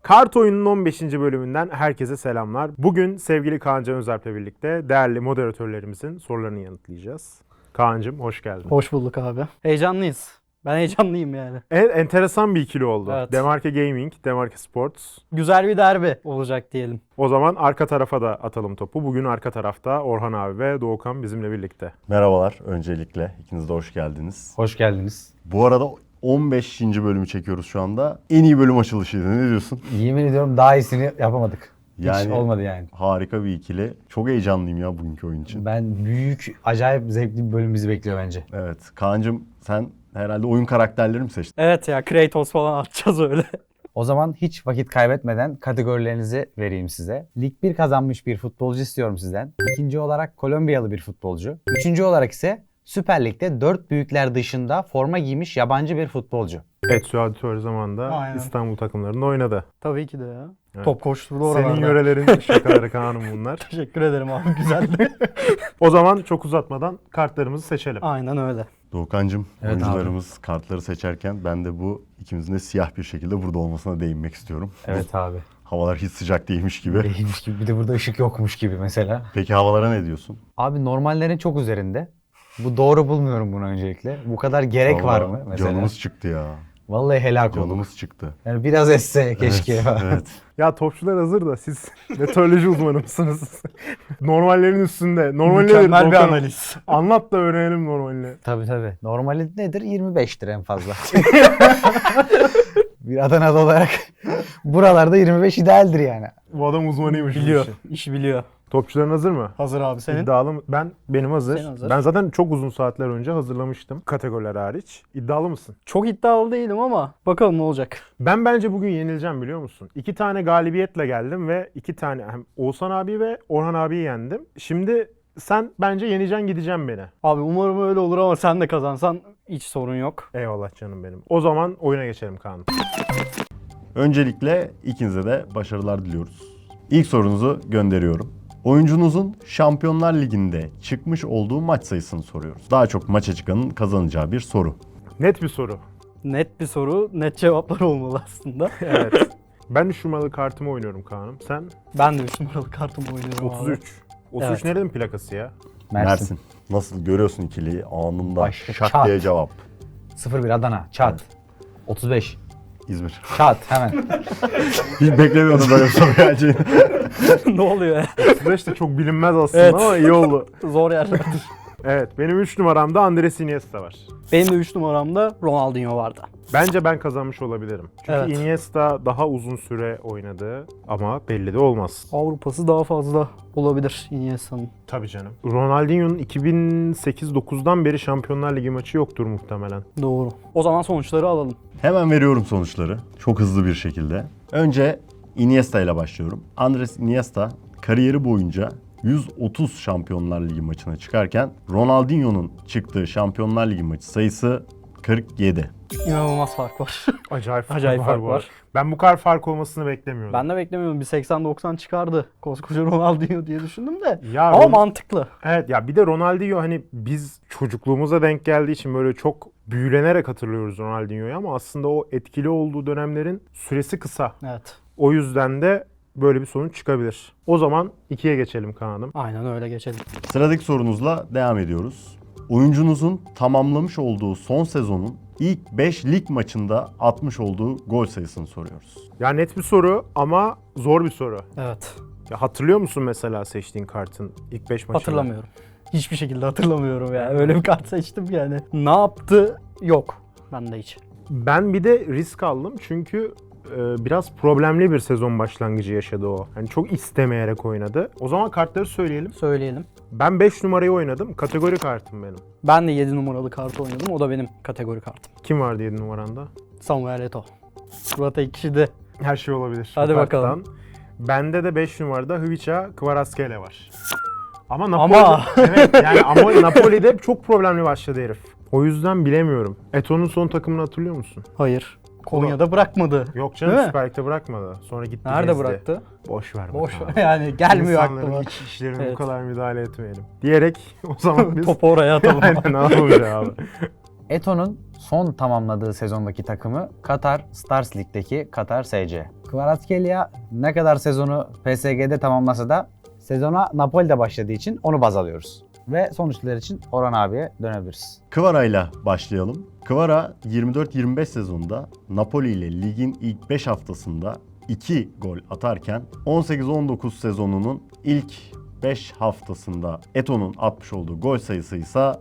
Kart Oyun'un 15. bölümünden herkese selamlar. Bugün sevgili Kaan Can Özerp'le birlikte değerli moderatörlerimizin sorularını yanıtlayacağız. Kaan'cığım hoş geldin. Hoş bulduk abi. Heyecanlıyız. Ben heyecanlıyım yani. Evet, enteresan bir ikili oldu. Evet. Demarke Gaming, Demarke Sports. Güzel bir derbi olacak diyelim. O zaman arka tarafa da atalım topu. Bugün arka tarafta Orhan abi ve Doğukan bizimle birlikte. Merhabalar öncelikle. İkiniz de hoş geldiniz. Hoş geldiniz. Bu arada 15. bölümü çekiyoruz şu anda. En iyi bölüm açılışıydı. Ne diyorsun? Yemin ediyorum daha iyisini yapamadık. Hiç Yani olmadı yani. harika bir ikili. Çok heyecanlıyım ya bugünkü oyun için. Ben büyük, acayip zevkli bir bölüm bizi bekliyor bence. Evet. Kaan'cığım sen herhalde oyun karakterleri mi seçtin? Evet ya, Kratos falan atacağız öyle. O zaman hiç vakit kaybetmeden kategorilerinizi vereyim size. Lig 1 kazanmış bir futbolcu istiyorum sizden. İkinci olarak Kolombiyalı bir futbolcu. Üçüncü olarak ise Süper Lig'de 4 büyükler dışında forma giymiş yabancı bir futbolcu. Etsu Auditör zamanında Aynen. İstanbul takımlarında oynadı. Tabii ki de ya. Evet. Top koşturdu oralarda. Senin yörelerin şakaları Kaan'ım bunlar. Teşekkür ederim abi, güzeldi. O zaman çok uzatmadan kartlarımızı seçelim. Aynen öyle. Doğukan'cığım Evet oyuncularımız kartları seçerken ben de bu ikimizin de siyah bir şekilde burada olmasına değinmek istiyorum. Evet abi. Havalar hiç sıcak değilmiş gibi. Değilmiş gibi. Bir de burada ışık yokmuş gibi mesela. Peki havalara ne diyorsun? Abi normallerin çok üzerinde. Bu doğru bulmuyorum bunu öncelikle. Bu kadar gerek var Vallahi mı mesela? Canımız çıktı ya. Vallahi helak olduk. Canımız çıktı. Yani biraz esse keşke. Evet, evet. Ya topçular hazır da siz meteoroloji uzmanı mısınız? Normallerin üstünde. Normal nedir? Mükemmel bir Doğukan? analiz. Anlat da öğrenelim normalini. Tabii tabii. Normali nedir? 25'tir en fazla. Bir Adanalı olarak buralarda 25 idealdir yani. Bu adam uzmanıymış bu Biliyor. işin. İşi biliyor. Topçuların hazır mı? Hazır abi senin. İddialı mı? Benim hazır. Senin hazır. Ben zaten çok uzun saatler önce hazırlamıştım. Kategoriler hariç. İddialı mısın? Çok iddialı değilim ama bakalım ne olacak. Ben bence bugün yenileceğim biliyor musun? 2 tane galibiyetle geldim ve 2 tane hem Oğuzhan abi ve Orhan abiyi yendim. Şimdi sen bence yeneceksin gideceğim beni. Abi umarım öyle olur ama sen de kazansan hiç sorun yok. Eyvallah canım benim. O zaman oyuna geçelim Kaan. Öncelikle ikinize de başarılar diliyoruz. İlk sorunuzu gönderiyorum. Oyuncunuzun Şampiyonlar Ligi'nde çıkmış olduğu maç sayısını soruyoruz. Daha çok maça çıkanın kazanacağı bir soru. Net bir soru. Net bir soru, net cevaplar olmalı aslında. Evet. Ben 3 numaralı kartımı oynuyorum Kaan'ım. Sen Ben de 3 numaralı kartımı oynuyorum 33. abi. 33 Evet. nerenin plakası ya? Mersin. Nasıl görüyorsun ikiliyi anında Başka şak çat. diye cevap. 01 Adana. Çat. 35. İzmir. Çat hemen. Hiç beklemiyordum böyle bir soru geleceğini. Ne oluyor ya? 35 de çok bilinmez aslında Evet. ama iyi oldu. Zor yerlerdir. Evet, benim 3 numaramda Andres Iniesta var. Benim de 3 numaramda Ronaldinho vardı. Bence ben kazanmış olabilirim. Çünkü Evet. Iniesta daha uzun süre oynadı ama belli de olmaz. Avrupa'sı daha fazla olabilir Iniesta'nın. Tabii canım. Ronaldinho'nun 2008-9'dan beri Şampiyonlar Ligi maçı yoktur muhtemelen. Doğru. O zaman sonuçları alalım. Hemen veriyorum sonuçları. Çok hızlı bir şekilde. Önce Iniesta ile başlıyorum. Andres Iniesta kariyeri boyunca 130 Şampiyonlar Ligi maçına çıkarken Ronaldinho'nun çıktığı Şampiyonlar Ligi maçı sayısı 47. İnanılmaz fark var. Acayip, Acayip fark bu var. arada. Ben bu kadar fark olmasını beklemiyordum. Ben de beklemiyorum. Bir 80-90 çıkardı. Koskoca Ronaldinho diye düşündüm de. Ya Ama mantıklı. Evet ya bir de Ronaldinho hani biz çocukluğumuza denk geldiği için böyle çok büyülenerek hatırlıyoruz Ronaldinho'yu ama aslında o etkili olduğu dönemlerin süresi kısa. Evet. O yüzden de böyle bir sonuç çıkabilir. O zaman 2'ye geçelim Kaan'ım. Aynen öyle, geçelim. Sıradaki sorunuzla devam ediyoruz. Oyuncunuzun tamamlamış olduğu son sezonun ilk 5 lig maçında atmış olduğu gol sayısını soruyoruz. Ya net bir soru ama zor bir soru. Evet. Ya hatırlıyor musun mesela seçtiğin kartın ilk 5 maçını? Hatırlamıyorum. Hiçbir şekilde hatırlamıyorum ya. Öyle bir kart seçtim yani. Ne yaptı? Yok. Bende hiç. Ben bir de risk aldım çünkü biraz problemli bir sezon başlangıcı yaşadı o. Yani çok istemeyerek oynadı. O zaman kartları söyleyelim. Söyleyelim. Ben 5 numarayı oynadım. Kategori kartım benim. Ben de 7 numaralı kartı oynadım. O da benim kategori kartım. Kim vardı 7 numaranda? Samuel Eto'o. Murat kişide. Her şey olabilir. Hadi bu karttan. bakalım. Bende de 5 numarada Hvica Kvaratskhelia var. Ama Ama- evet yani ama Napoli'de çok problemli başladı herif. O yüzden bilemiyorum. Eto'nun son takımını hatırlıyor musun? Hayır. Konya'da bırakmadı. Yok canım, Değil mi? Süper Lig'de bırakmadı. Sonra gitti Nerede gezdi. bıraktı? Boş ver. Boş bakalım. ver. Yani gelmiyor İnsanların aklıma. iç işlerine bu Evet. kadar müdahale etmeyelim. Diyerek o zaman biz Topu oraya atalım. aynen alalım cevabı. Eto'nun son tamamladığı sezondaki takımı Katar Stars Lig'deki Katar SC. Kvaratskhelia ne kadar sezonu PSG'de tamamlasa da sezona Napoli'de başladığı için onu baz alıyoruz. Ve sonuçlar için Orhan abiye dönebiliriz. Kvara ile başlayalım. Kvara 24-25 sezonunda Napoli ile ligin ilk 5 haftasında 2 gol atarken 18-19 sezonunun ilk 5 haftasında Eto'nun atmış olduğu gol sayısı ise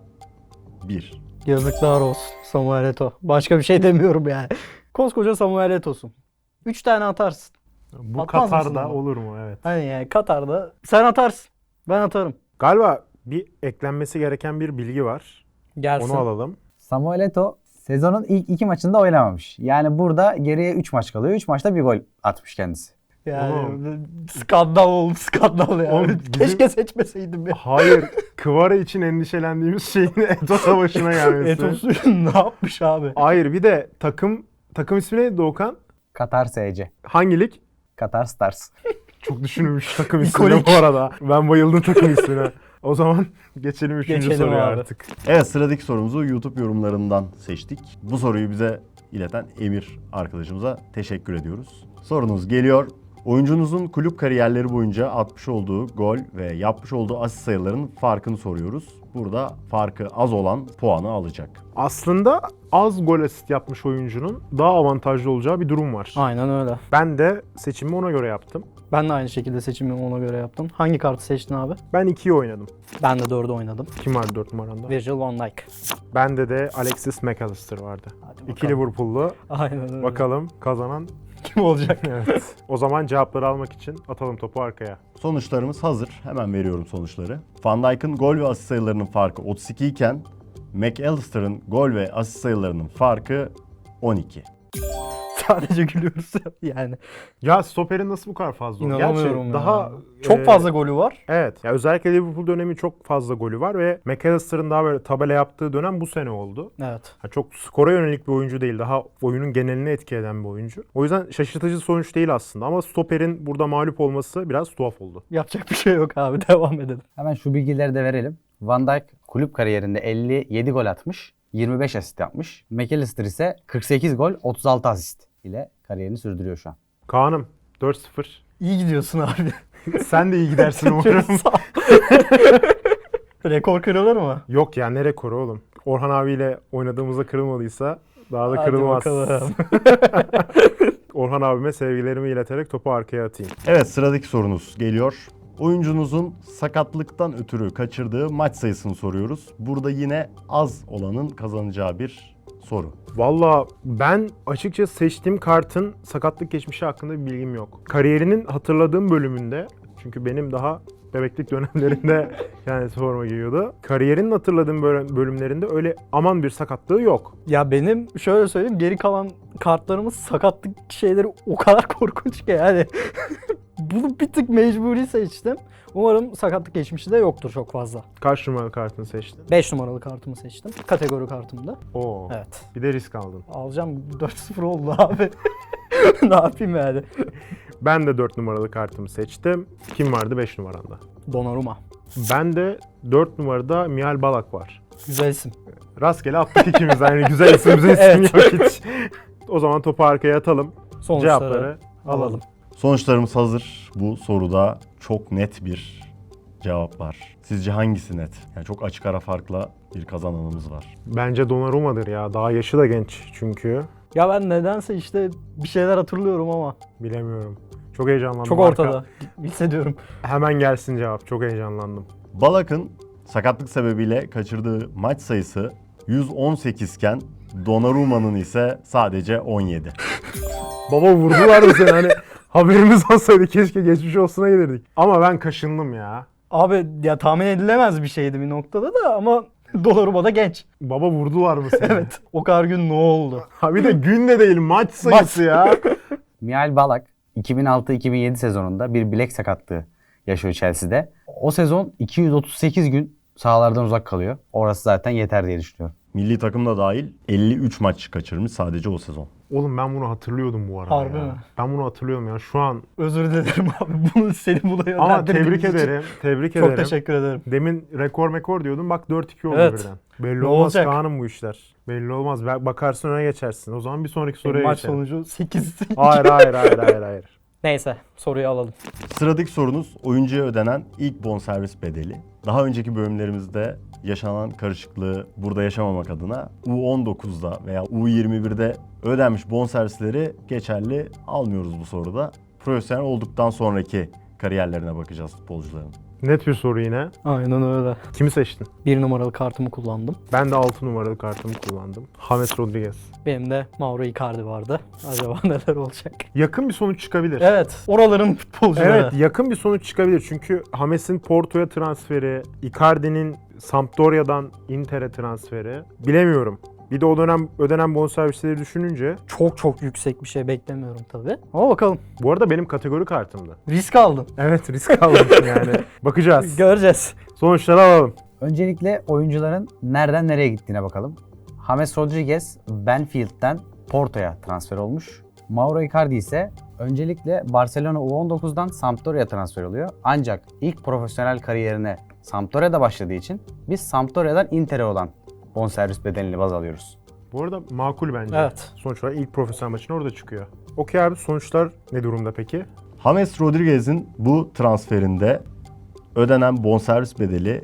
1. Yazıklar olsun Samuel Eto'o. Başka bir şey demiyorum yani. Koskoca Samuel Eto'sun. 3 tane atarsın. Bu Atmaz mısın Katar'da ama? olur mu? Evet. Hani yani Katar'da sen atarsın. Ben atarım. Galiba bir eklenmesi gereken bir bilgi var. Gelsin. Onu alalım. Samuel Eto'o sezonun ilk 2 maçında oynamamış. Yani burada geriye 3 maç kalıyor. 3 maçta bir gol atmış kendisi. Yani skandal oldu, skandal ya. Oğlum, Keşke seçmeseydim ya. Hayır, Kvara için endişelendiğimiz şeyin Eto Savaşı'na gelmesi. Eto'su ne yapmış abi? Hayır, bir de takım ismi neydi Doğukan? Katar SC. Hangi lig? Katar Stars. Çok düşünülmüş takım ismine İkonik. bu arada. Ben bayıldım takım ismine. O zaman geçelim 3. Geçelim soruya abi. artık. Evet, sıradaki sorumuzu YouTube yorumlarından seçtik. Bu soruyu bize ileten Emir arkadaşımıza teşekkür ediyoruz. Sorunuz geliyor. Oyuncunuzun kulüp kariyerleri boyunca atmış olduğu gol ve yapmış olduğu asist sayılarının farkını soruyoruz. Burada farkı az olan puanı alacak. Aslında az gol asist yapmış oyuncunun daha avantajlı olacağı bir durum var. Aynen öyle. Ben de seçimimi ona göre yaptım. Ben de aynı şekilde seçimimi ona göre yaptım. Hangi kartı seçtin abi? Ben 2'yi oynadım. Ben de 4'ü oynadım. Kim vardı 4 numaranda? Virgil van Dijk. Bende de Alexis McAllister vardı. Hadi 2 Liverpool'lu. Aynen öyle. Bakalım kazanan Kim olacak? evet. O zaman cevapları almak için atalım topu arkaya. Sonuçlarımız hazır. Hemen veriyorum sonuçları. Van Dijk'ın gol ve asist sayılarının farkı 32 iken McAllister'ın gol ve asist sayılarının farkı 12. Sadece gülüyoruz yani. Ya stoperin nasıl bu kadar fazla? İnanamıyorum Gerçi ya. daha Çok fazla golü var. Evet. Ya özellikle Liverpool dönemi çok fazla golü var ve McAllister'ın daha böyle tabela yaptığı dönem bu sene oldu. Evet. Ha, çok skora yönelik bir oyuncu değil. Daha oyunun genelini etki eden bir oyuncu. O yüzden şaşırtıcı sonuç değil aslında ama stoperin burada mağlup olması biraz tuhaf oldu. Yapacak bir şey yok abi. Devam edelim. Hemen şu bilgileri de verelim. Van Dijk kulüp kariyerinde 57 gol atmış, 25 asist yapmış. McAllister ise 48 gol, 36 asist ile kariyerini sürdürüyor şu an. Kaan'ım 4-0. İyi gidiyorsun abi. Sen de iyi gidersin umarım. Sağ ol. Rekor kırılır mı? Yok ya, ne rekoru oğlum. Orhan abiyle oynadığımızda kırılmadıysa daha da Hadi kırılmaz. bakalım. Orhan abime sevgilerimi ileterek topu arkaya atayım. Evet, sıradaki sorunuz geliyor. Oyuncunuzun sakatlıktan ötürü kaçırdığı maç sayısını soruyoruz. Burada yine az olanın kazanacağı bir soru. Valla ben açıkçası seçtiğim kartın sakatlık geçmişi hakkında bir bilgim yok. Kariyerinin hatırladığım bölümünde, çünkü benim daha bebeklik dönemlerinde kendisi forma giyiyordu. Kariyerinin hatırladığım bölümlerinde öyle aman bir sakatlığı yok. Ya benim şöyle söyleyeyim, geri kalan kartlarımız sakatlık şeyleri o kadar korkunç ki yani. Bunu bir tık mecburi seçtim. Umarım sakatlık geçmişi de yoktur çok fazla. Kaç numaralı kartını seçtin? 5 numaralı kartımı seçtim. Kategori kartımda. Oo. Evet. Bir de risk aldın. Alacağım, 4-0 oldu abi. Ne yapayım yani? Ben de 4 numaralı kartımı seçtim. Kim vardı 5 numaranda? Donnarumma. Ben de 4 numarada Mihail Balak var. Güzel isim. Rastgele attık ikimiz. Yani güzel isim, güzel isim Evet. yok hiç. O zaman topu arkaya atalım. Sonuçları Cevapları alalım. Sonuçlarımız hazır. Bu soruda çok net bir cevap var. Sizce hangisi net? Yani çok açık ara farkla bir kazananımız var. Bence Donnarumma'dır ya. Daha yaşı da genç çünkü. Ya ben nedense işte bir şeyler hatırlıyorum ama Bilemiyorum. Çok heyecanlandım. çok Arka- ortada. Hissediyorum. Hemen gelsin cevap. Çok heyecanlandım. Balak'ın sakatlık sebebiyle kaçırdığı maç sayısı 118 iken Donnarumma'nın ise sadece 17. Baba vurdular mı seni? Hani haberimiz olsaydı keşke geçmiş olsuna gelirdik. Ama ben kaşındım ya. Abi ya tahmin edilemez bir şeydi bir noktada da ama Donnarumma da genç. Baba vurdular mı seni? Evet. O kadar gün ne oldu? Ha bir de gün de değil, maç sayısı ya. Mihail Balak 2006-2007 sezonunda bir bilek sakatlığı yaşıyor Chelsea'de. O sezon 238 gün sahalardan uzak kalıyor. Orası zaten yeter diye düşünüyorum. Milli takım da dahil 53 maç kaçırmış sadece o sezon. Oğlum ben bunu hatırlıyordum bu arada Harbi ya. mi? Ben bunu hatırlıyorum ya şu an. Özür dilerim abi. Bunu seni buna Ama yönlendirdiğim tebrik için ederim. Tebrik Çok ederim. teşekkür ederim. Demin rekor diyordum. Bak 4-2 oldu Evet. birden. Belli Ne olmaz olacak? Kaan'ım bu işler. Belli olmaz. Bakarsın öne geçersin. O zaman bir sonraki soruya Maç geçelim. sonucu 8. Hayır. Neyse soruyu alalım. Sıradaki sorunuz oyuncuya ödenen ilk bonservis bedeli. Daha önceki bölümlerimizde yaşanan karışıklığı burada yaşamamak adına U19'da veya U21'de ödenmiş bonservisleri geçerli almıyoruz bu soruda. Profesyonel olduktan sonraki kariyerlerine bakacağız futbolcuların. Net bir soru yine. Aynen öyle. Kimi seçtin? 1 numaralı kartımı kullandım. Ben de 6 numaralı kartımı kullandım. James Rodriguez. Benim de Mauro Icardi vardı. Acaba neler olacak? Yakın bir sonuç çıkabilir. Evet. Oraların futbolcuları. Evet, yakın bir sonuç çıkabilir. Çünkü James'in Porto'ya transferi, Icardi'nin Sampdoria'dan Inter'e transferi. Bilemiyorum. Bir de o dönem ödenen bonservisleri düşününce. Çok yüksek bir şey beklemiyorum tabii. Ama bakalım. Bu arada benim kategori kartımdı. Risk aldım. Evet, risk aldım yani. Bakacağız. Göreceğiz. Sonuçları alalım. Öncelikle oyuncuların nereden nereye gittiğine bakalım. James Rodriguez Benfield'den Porto'ya transfer olmuş. Mauro Icardi ise öncelikle Barcelona U19'dan Sampdoria'ya transfer oluyor. Ancak ilk profesyonel kariyerine Sampdoria'da başladığı için biz Sampdoria'dan Inter'e olan bonservis bedelini baz alıyoruz. Bu arada makul bence. Evet. Sonuç olarak ilk profesyonel maçını orada çıkıyor. Okey abi, sonuçlar ne durumda peki? James Rodriguez'in bu transferinde ödenen bonservis bedeli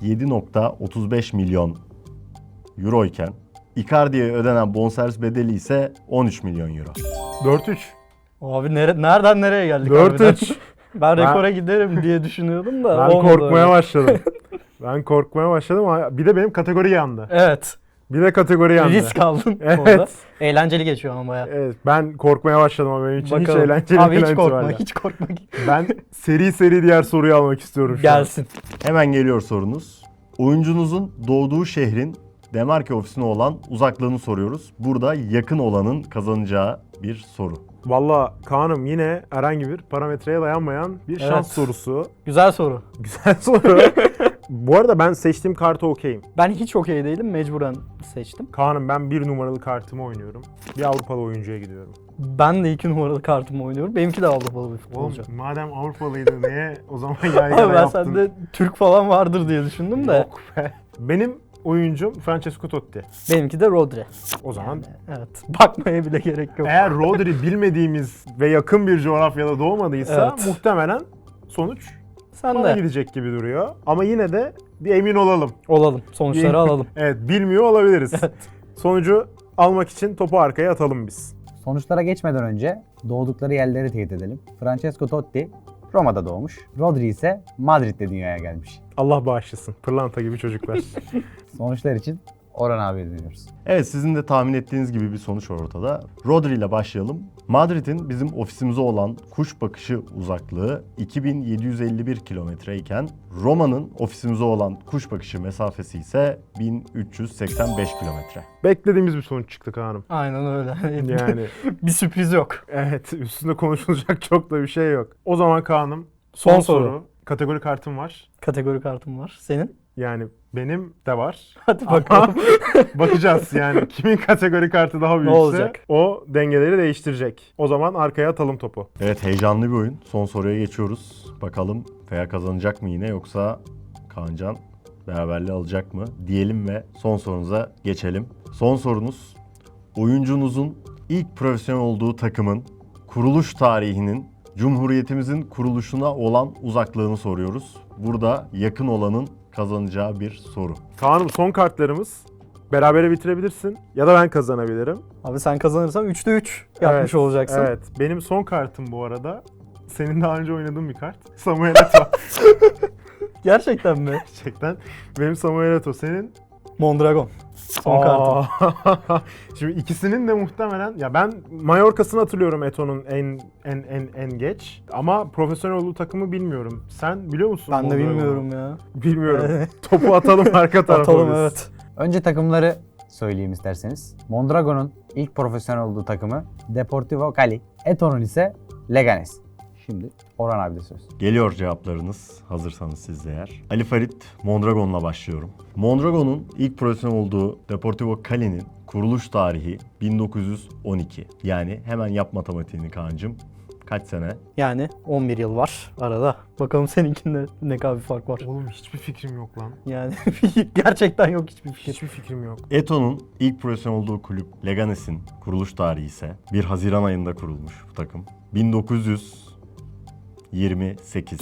7.35 milyon euro iken Icardi'ye ödenen bonservis bedeli ise 13 milyon euro. 4-3. Abi nereden nereye geldik harbiden? 4-3. Ben rekora giderim diye düşünüyordum da Ben olmadı korkmaya öyle. başladım. Ben korkmaya başladım ama bir de benim kategori yandı. Evet. Bir de kategori yandı. Risk aldın Evet. orada. Eğlenceli geçiyor ama bayağı. Evet, ben korkmaya başladım ama benim için Bakalım. hiç eğlenceli Abi değil hiç korkma, itibariyle. hiç korkma. Ben seri diğer soruyu almak istiyorum şu an. Gelsin. Hemen geliyor sorunuz. Oyuncunuzun doğduğu şehrin demarke ofisine olan uzaklığını soruyoruz. Burada yakın olanın kazanacağı bir soru. Valla Kaan'ım yine herhangi bir parametreye dayanmayan bir şans Evet. sorusu. Güzel soru. Güzel soru. Bu arada ben seçtiğim kartı okeyim. Ben hiç okey değilim. Mecburen seçtim. Kaan'ım ben 1 numaralı kartımı oynuyorum. Bir Avrupalı oyuncuya gidiyorum. Ben de 2 numaralı kartımı oynuyorum. Benimki de Avrupalı bir Oğlum futbolcu. madem Avrupalıydı niye o zaman yaygara Abi ben yaptın? sende Türk falan vardır diye düşündüm de. Yok be. Benim oyuncum Francesco Totti. Benimki de Rodri. O zaman Evet. Bakmaya bile gerek yok. eğer Rodri bilmediğimiz ve yakın bir coğrafyada doğmadıysa Evet. muhtemelen sonuç Sen bana de gidecek gibi duruyor. Ama yine de bir emin olalım. olalım. Sonuçları alalım. Evet, bilmiyor olabiliriz. Evet. Sonucu almak için topu arkaya atalım biz. Sonuçlara geçmeden önce doğdukları yerleri teyit edelim. Francesco Totti Roma'da doğmuş. Rodri ise Madrid'de dünyaya gelmiş. Allah bağışlasın. Pırlanta gibi çocuklar. Sonuçlar için Orhan abiye dönüyoruz. Evet, sizin de tahmin ettiğiniz gibi bir sonuç ortada. Rodri ile başlayalım. Madrid'in bizim ofisimize olan kuş bakışı uzaklığı 2751 kilometre iken Roma'nın ofisimize olan kuş bakışı mesafesi ise 1385 kilometre. Beklediğimiz bir sonuç çıktı Kaan'ım. Aynen öyle. Yani bir sürpriz yok. evet, üstünde konuşulacak çok da bir şey yok. O zaman Kaan'ım Son soru. Kategori kartım var. Kategori kartım var. Senin? Yani benim de var. Hadi Ama bakalım. bakacağız yani kimin kategori kartı daha büyükse olacak? o dengeleri değiştirecek. O zaman arkaya atalım topu. Evet, heyecanlı bir oyun. Son soruya geçiyoruz. Bakalım Feya kazanacak mı yine, yoksa Kaancan beraberliği alacak mı diyelim ve son sorunuza geçelim. Son sorunuz, oyuncunuzun ilk profesyonel olduğu takımın kuruluş tarihinin Cumhuriyetimizin kuruluşuna olan uzaklığını soruyoruz. Burada yakın olanın kazanacağı bir soru. Kaan'ım son kartlarımız. Berabere bitirebilirsin ya da ben kazanabilirim. Abi sen kazanırsan 3'te 3 yapmış Evet, olacaksın. Evet. Benim son kartım bu arada. Senin daha önce oynadığın bir kart. Samuel Eto'o. Gerçekten mi? Gerçekten. Benim Samuel Eto'o. Senin? Mondragon. Son kartım. kartım. Şimdi ikisinin de muhtemelen ya ben Mallorca'sını hatırlıyorum Eto'nun en geç ama profesyonel olduğu takımı bilmiyorum. Sen biliyor musun? Ben de Mondragon'u? bilmiyorum ya. Bilmiyorum. Topu atalım arka tarafa. Atalım biz. evet. Önce takımları söyleyeyim isterseniz. Mondragon'un ilk profesyonel olduğu takımı Deportivo Cali. Eto'nun ise Leganes. Şimdi Orhan abi de söz. Geliyor cevaplarınız, hazırsanız siz de eğer. Ali Farid, Mondragon'la başlıyorum. Mondragon'un ilk profesyonel olduğu Deportivo Cali'nin kuruluş tarihi 1912. Yani hemen yap matematiğini Kaan'cığım. Kaç sene? Yani 11 yıl var arada. Bakalım seninkinde ne kadar bir fark var. Oğlum hiçbir fikrim yok lan. Yani gerçekten yok hiçbir fikir. Hiçbir fikrim yok. Eto'nun ilk profesyonel olduğu kulüp Leganes'in kuruluş tarihi ise 1 Haziran ayında kurulmuş bu takım. 1928.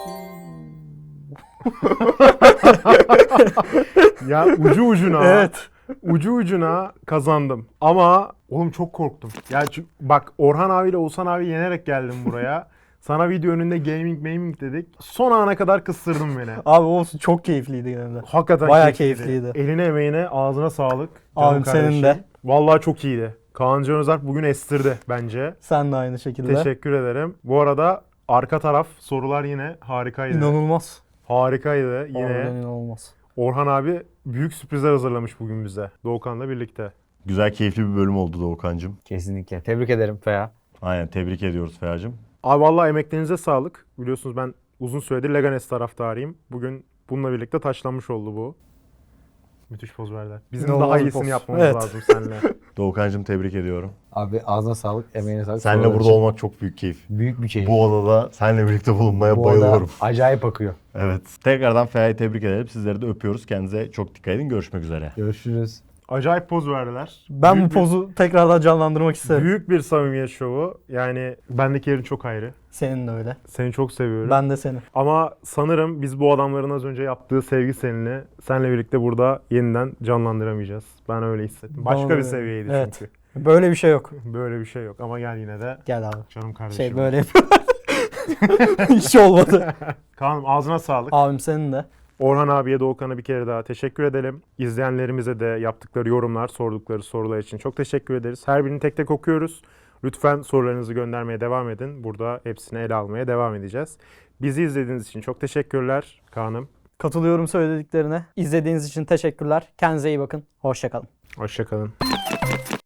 Ya ucu ucuna. Evet. Ucu ucuna kazandım. Ama oğlum çok korktum. Ya bak Orhan abiyle Oğuzhan abi yenerek geldim buraya. Sana video önünde gaming dedik. Son ana kadar kıstırdın beni. Abi olsun çok keyifliydi gene de. Hakikaten Bayağı keyifliydi. keyifliydi. Eline emeğine ağzına sağlık. Abim Canım senin de. kardeşim. Vallahi çok iyiydi. Kaan Can Özalp bugün estirdi bence. Sen de aynı şekilde. Teşekkür ederim. Bu arada arka taraf sorular yine harikaydı. İnanılmaz. Harikaydı yine. Harbiden inanılmaz. Orhan abi büyük sürprizler hazırlamış bugün bize. Doğukan'la birlikte. Güzel, keyifli bir bölüm oldu Doğukan'cığım. Kesinlikle. Tebrik ederim Feya. Aynen, tebrik ediyoruz Feracığım. Abi vallahi emeklerinize sağlık. Biliyorsunuz ben uzun süredir Leganes taraftarıyım. Bugün bununla birlikte taçlanmış oldu bu. Müthiş poz verdiler. Bizim İnanılmaz daha bir iyisini poz. yapmamız Evet. lazım seninle. Doğukan'cığım tebrik ediyorum. Abi ağzına sağlık, emeğine sağlık. Seninle Sorular burada için olmak çok büyük keyif. büyük bir keyif. Bu odada seninle birlikte bulunmaya Bu arada bayılıyorum. acayip akıyor. Evet. Tekrardan Fera'yı tebrik edelim. Sizleri de öpüyoruz. Kendinize çok dikkat edin. Görüşmek üzere. Görüşürüz. Acayip poz verdiler. Ben Büyük bu pozu tekrardan canlandırmak isterim. Büyük bir samimiyet şovu. Yani bendeki yerin çok ayrı. Senin de öyle. Seni çok seviyorum. Ben de seni. Ama sanırım biz bu adamların az önce yaptığı sevgi seninle senle birlikte burada yeniden canlandıramayacağız. Ben öyle hissettim. Başka Bana bir da öyle. seviyeydi Evet. çünkü. Böyle bir şey yok. Böyle bir şey yok ama gel yine de Gel abi. canım kardeşim. Şey böyle hiç olmadı. Kaan'ım ağzına sağlık. Abim senin de. Orhan abiye, Doğukan'a bir kere daha teşekkür edelim. İzleyenlerimize de yaptıkları yorumlar, sordukları sorular için çok teşekkür ederiz. Her birini tek tek okuyoruz. Lütfen sorularınızı göndermeye devam edin. Burada hepsini ele almaya devam edeceğiz. Bizi izlediğiniz için çok teşekkürler Kaan'ım. Katılıyorum söylediklerine. İzlediğiniz için teşekkürler. Kendinize iyi bakın. Hoşça kalın. Hoşça kalın.